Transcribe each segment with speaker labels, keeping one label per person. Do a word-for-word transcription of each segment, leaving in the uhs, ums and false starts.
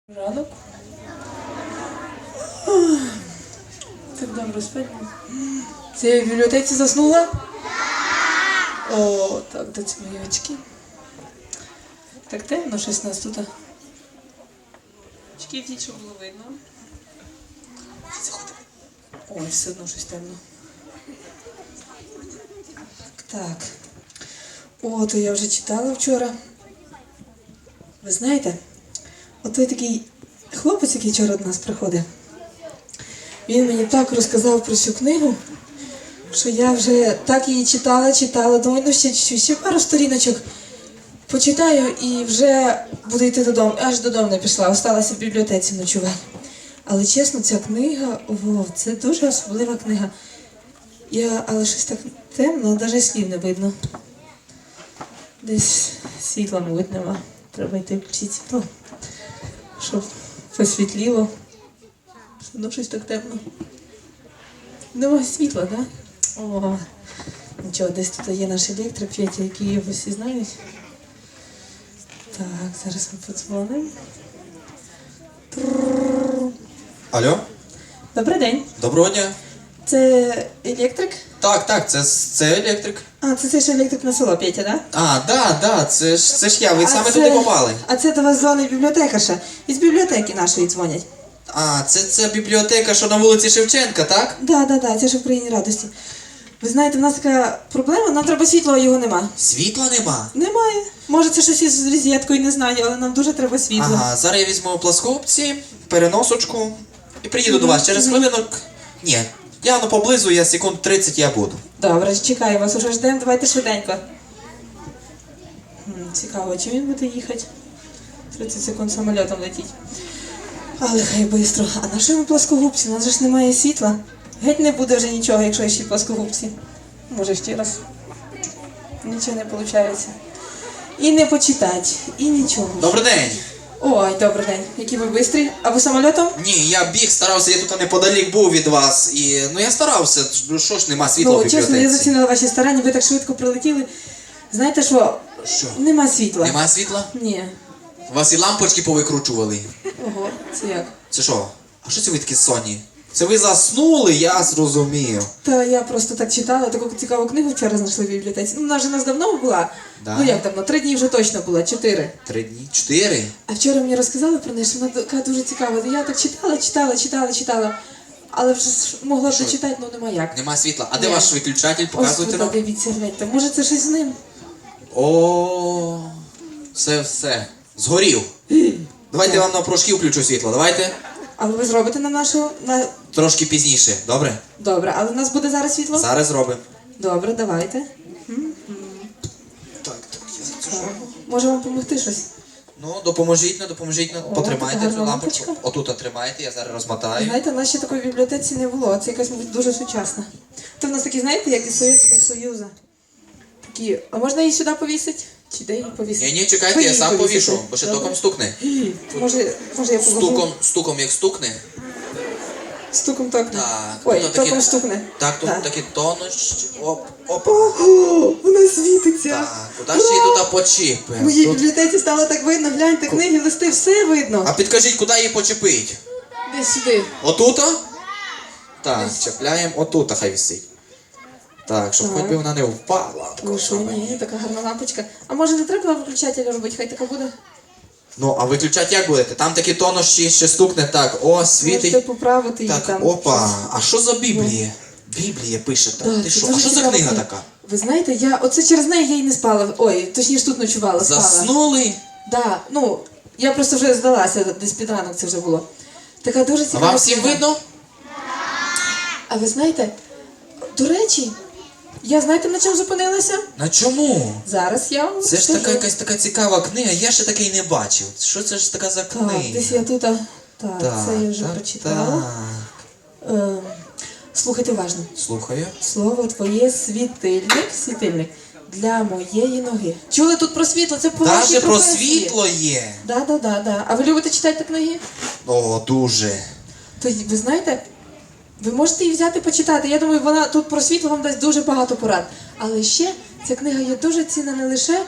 Speaker 1: Ранок. Так добре спать. Це я в бібліотеці заснула? О, так, де ці мої очки. Так темно щось нас тут. Очки втіть, щоб було видно. Заходимо. Ой, все одно щось темно. Так. О, то я вже читала вчора. Ви знаєте, от той такий хлопець, який вчора до нас приходив, він мені так розказав про цю книгу, що я вже так її читала, читала, думаю, ну ще чуть-чуть, ще пару сторіночок почитаю і вже буду йти додому. Аж додому не пішла, осталася в бібліотеці ночувати. Але чесно, ця книга, о, це дуже особлива книга. Я, але щось так темно, навіть слів не видно. Десь світла, мабуть, нема. Треба йти включити світло, щоб посвітліло. Ну, щось так темно. Нема світла, так? Да? О, нічого, десь тут є наш електрик, Петя, який його всі знають. Так, зараз ми подзвонимо.
Speaker 2: Алло?
Speaker 1: Добрий день.
Speaker 2: Доброго дня.
Speaker 1: Це електрик?
Speaker 2: Так, так, це, це електрик.
Speaker 1: А, це, це ж електрик на село, Петя, так? Да?
Speaker 2: А, да, да, це ж, це ж я, ви
Speaker 1: А
Speaker 2: саме
Speaker 1: це-
Speaker 2: туди попали.
Speaker 1: А це до вас дзвонить бібліотекарша. Із бібліотеки нашої дзвонять.
Speaker 2: А, це, це бібліотека, що на вулиці Шевченка, так?
Speaker 1: Так, так, так, це ж в країні радості. Ви знаєте, в нас така проблема, нам треба світло, а його нема.
Speaker 2: Світла нема.
Speaker 1: Немає. Може, це щось із розеткою, не знаю, але нам дуже треба світло.
Speaker 2: Ага, зараз я візьму пласкопці, переносочку і приїду до вас через хвилинок. Ні, я ну поблизу, я секунд тридцять я буду.
Speaker 1: Добре, чекаю вас, уже ждемо, давайте швиденько. М, Цікаво, чи він буде їхати? тридцять секунд самольотом летіть. Але хай швидко. А на що ми плоскогубці? У нас же ж немає світла. Геть не буде вже нічого, якщо ще й плоскогубці. Може ще раз. Нічого не виходить. І не почитати, і нічого.
Speaker 2: Добрий день.
Speaker 1: Ой, добрий день. Які ви бистрі? А ви самольотом?
Speaker 2: Ні, я біг, старався, я тут неподалік був від вас. І, ну я старався, ну що ж нема світла в
Speaker 1: Ну,
Speaker 2: бібліотеці.
Speaker 1: чесно, я зацінила ваші старання, ви так швидко прилетіли. Знаєте що?
Speaker 2: Що?
Speaker 1: Нема світла.
Speaker 2: Нема світла?
Speaker 1: Ні.
Speaker 2: Вас і лампочки повикручували.
Speaker 1: Ого, це як?
Speaker 2: Це що? А що це ви такі сонні? Це ви заснули, я зрозумів.
Speaker 1: Та я просто так читала, таку цікаву книгу вчора знайшли в бібліотеці. Ну, вона вже у нас давно була.
Speaker 2: Да.
Speaker 1: Ну як давно? Три дні вже точно була, чотири.
Speaker 2: Три дні? Чотири?
Speaker 1: А вчора мені розказали про неї, що вона така дуже цікава. Я так читала, читала, читала, читала. Але вже ж могла б
Speaker 2: Що?
Speaker 1: дочитати, ну нема як.
Speaker 2: Нема світла. А де
Speaker 1: Ні.
Speaker 2: ваш виключатель?
Speaker 1: Ось
Speaker 2: Показуйте
Speaker 1: тут,
Speaker 2: нам.
Speaker 1: дивіться, гляньте. Може це щось з ним?
Speaker 2: О, це все. Згорів. Давайте я вам на прошки включу світло. Давайте.
Speaker 1: Але ви зробите нам нашого? На...
Speaker 2: Трошки пізніше. Добре?
Speaker 1: Добре, але в нас буде зараз світло?
Speaker 2: Зараз зробимо.
Speaker 1: Добре, давайте.
Speaker 2: Так, так, я
Speaker 1: Так. Може вам допомогти щось?
Speaker 2: Ну, допоможіть, ну, допоможіть, ну,
Speaker 1: О,
Speaker 2: потримайте
Speaker 1: така
Speaker 2: цю
Speaker 1: гарна
Speaker 2: лампочку.
Speaker 1: лампочка.
Speaker 2: Отут тримайте, я зараз розмотаю.
Speaker 1: Знаєте, в нас ще такої бібліотеці не було. Це якась, мабуть, дуже сучасна. Це в нас такі, знаєте, як із Совєтського Союзу. Такі, а можна її сюди повісити? Чи де її повісити?
Speaker 2: Ні, ні, чекайте,
Speaker 1: Ви
Speaker 2: я
Speaker 1: її
Speaker 2: сам
Speaker 1: повісите.
Speaker 2: повішу, бо ще
Speaker 1: Добре.
Speaker 2: током стукне.
Speaker 1: Може, може я положу?
Speaker 2: Стуком, стуком як стукне.
Speaker 1: Стуком токне.
Speaker 2: Так,
Speaker 1: Ой,
Speaker 2: ну, такі-
Speaker 1: током стукне.
Speaker 2: Так, тут
Speaker 1: Так.
Speaker 2: такі тонощі. Оп, опа.
Speaker 1: Ого, вона світиться.
Speaker 2: Так, куди ще її туди почіпимо?
Speaker 1: В моїй
Speaker 2: Тут...
Speaker 1: бібліотеці стало так видно, гляньте, книги, листи, все видно.
Speaker 2: А підкажіть, куди її почепить?
Speaker 1: Десь сюди.
Speaker 2: Отута? Так, чіпляємо отута, хай висить. Так, щоб
Speaker 1: Так.
Speaker 2: хоч би вона не впала.
Speaker 1: Ну що, ні, така гарна лампочка. А може не треба виключателя робити, хай така буде?
Speaker 2: Ну, а виключати як будете? Там такі тонощі ще стукне, так, о,
Speaker 1: Можете
Speaker 2: світить.
Speaker 1: поправити її
Speaker 2: Так,
Speaker 1: там.
Speaker 2: опа, а що за Біблія? Біблія пише так.
Speaker 1: Да,
Speaker 2: Ти
Speaker 1: це
Speaker 2: що? А
Speaker 1: дуже
Speaker 2: що за
Speaker 1: цікава
Speaker 2: книга така?
Speaker 1: Ви знаєте, я оце через неї я й не спала. Ой, точніше тут ночувала, спала.
Speaker 2: Заснули?
Speaker 1: Да, ну, я просто вже здалася, десь під ранок це вже було. Така дуже
Speaker 2: А
Speaker 1: цікава.
Speaker 2: вам всім
Speaker 1: книга.
Speaker 2: видно?
Speaker 1: А ви знаєте, до речі, я знаєте, на чому зупинилася?
Speaker 2: На чому?
Speaker 1: Зараз я вам
Speaker 2: Це ж
Speaker 1: скажу.
Speaker 2: така якась така цікава книга, я ще такий не бачив. Що це ж така за
Speaker 1: Так,
Speaker 2: книга?
Speaker 1: десь я тут, а, так,
Speaker 2: Так,
Speaker 1: це я вже
Speaker 2: так,
Speaker 1: прочитала.
Speaker 2: так.
Speaker 1: Е, слухайте уважно.
Speaker 2: Слухаю.
Speaker 1: Слово твоє світильник, світильник для моєї ноги. Чули тут про світло? Це по вашій
Speaker 2: Даже про
Speaker 1: професії.
Speaker 2: світло є.
Speaker 1: Да, да, да, да. А ви любите читати книги?
Speaker 2: О, дуже.
Speaker 1: То й- ви знаєте, ви можете її взяти почитати. Я думаю, вона тут про світло вам дасть дуже багато порад. Але ще ця книга є дуже цінна не лише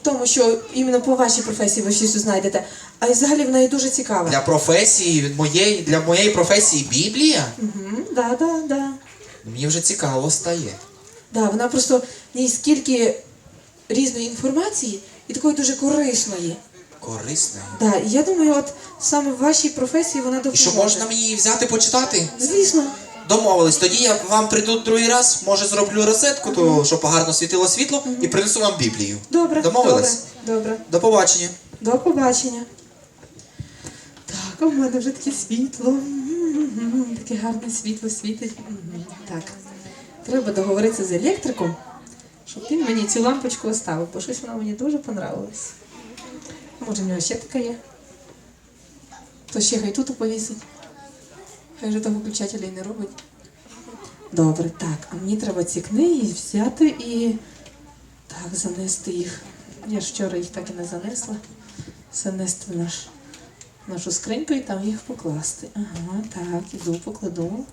Speaker 1: тому, що іменно по вашій професії ви щось знайдете, а й взагалі вона і дуже цікава.
Speaker 2: Для професії, від моєї, для моєї професії Біблія?
Speaker 1: Угу, да, да, да.
Speaker 2: Мені вже цікаво стає.
Speaker 1: Да, вона просто в ній скільки різної інформації і такої дуже корисної.
Speaker 2: Корисна.
Speaker 1: Да, і я думаю, от саме в вашій професії вона
Speaker 2: І
Speaker 1: допоможе.
Speaker 2: що, можна мені її взяти почитати?
Speaker 1: Звісно.
Speaker 2: Домовились. Тоді я вам прийду другий раз, може зроблю розетку, то, щоб гарно світило світло, і принесу вам Біблію.
Speaker 1: Добре.
Speaker 2: Домовились?
Speaker 1: Добре. Добре.
Speaker 2: До побачення.
Speaker 1: До побачення. Так, а в мене вже таке світло. М-м-м, таке гарне світло світить. М-м. Так. Треба договоритися з електриком, щоб він мені цю лампочку оставив, бо щось вона мені дуже понравилась. Може, в нього ще така є? То ще хай тут повісить. Хай же того включателя і не робить. Добре, так, а мені треба ці книги взяти і так, занести їх. Я ж вчора їх так і не занесла. Занести в наш, нашу скриньку і там їх покласти. Ага, так, іду, покладу.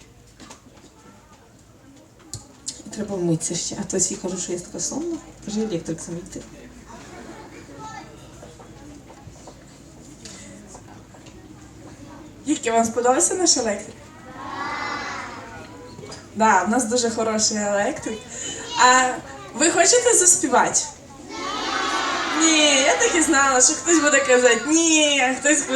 Speaker 1: І треба вмитися ще. А то всі кажуть, що я така сонна. Каже, електрик замітив.
Speaker 3: Дітки, вам сподобався наш електрик? Так, да, в нас дуже хороший електрик. А ви хочете заспівати? Ні, я так і знала, що хтось буде казати ні, а хтось